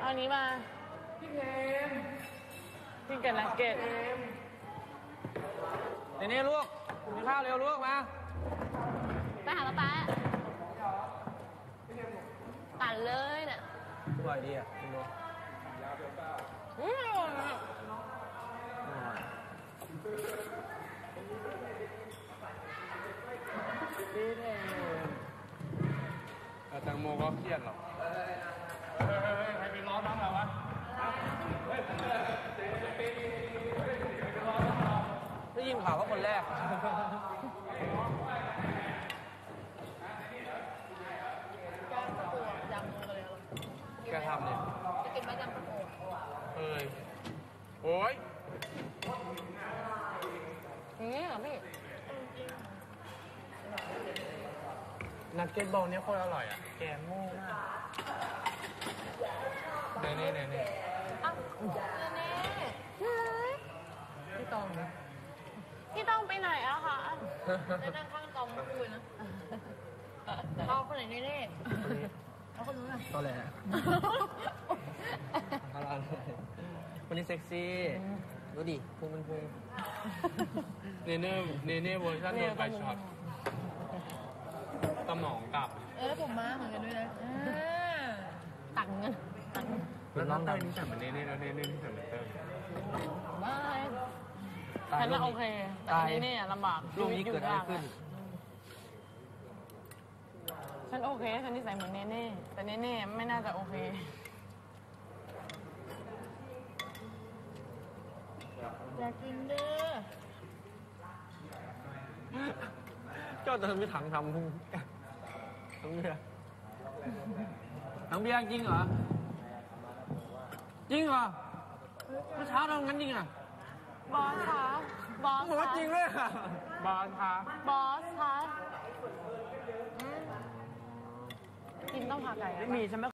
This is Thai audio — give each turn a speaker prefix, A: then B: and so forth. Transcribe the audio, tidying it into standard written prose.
A: างนี้มาพี่เกมพี่เกมนักเก็ต
B: นี่ลูกกินข้าวเร็วลูกมา
A: ไปหาป๊าปั่นเลยน่ะ
B: อร่อยดีอ่ะคุณดู
C: แตงโมก็เครียดหรอกใครไปล้อน้องเราวะ
B: ได้ยินข่าวว่าคนแรก
A: ยำกันเลย
C: แกทำเนี่ย
A: จะกินไหมยำกระโปง
C: โอ้ย
A: อย่างนี้เหรอพี่
C: นักเก็ตบอลเนี้ยโคตรอร่อยอ่ะแกงโง่มากเน่
A: อ้าวเน่
C: พี่ตอง
A: พี่ต้องไปไหนอะคะได้นั่งข้างตองเมื่อคืนนะเขาคนไหนเน่เขาคนนู้นอะ
B: ตัวแหละอะไรวันนี้เซ็กซี่ดูดิพุงเป็นพุง
C: เน่เวอร์ชันโดนไฟช็อตสมองกลับ
A: ผมมาเหมือนกันด้วยนะตังเงิน
C: แล้วน้องเต้ยนี่แต่เหมือนเน่แล้วเน่นี่แต่เหมือนเต้ย
A: ไม่ฉันน่ะโอเคแต่นี่ลำบาก
B: ลูกนี้เกิดอะไรขึ้น
A: ฉันโอเคฉันนิสัยเหมือนเน่แต่เน่ไม่น่าจะโอเคอยากกินเด้อ
B: เจ้าจะมีถังทำพุงถังเบียร์จริงเหรอเมื่อเช้าทำงั้นจริงอ่ะ
A: บอสคะบอส
B: บอกว่าจริงเลยค่ะ
C: บอลค่ะ
A: บอสคะกินต้องผักไก่
B: ไม่มีฉันไม่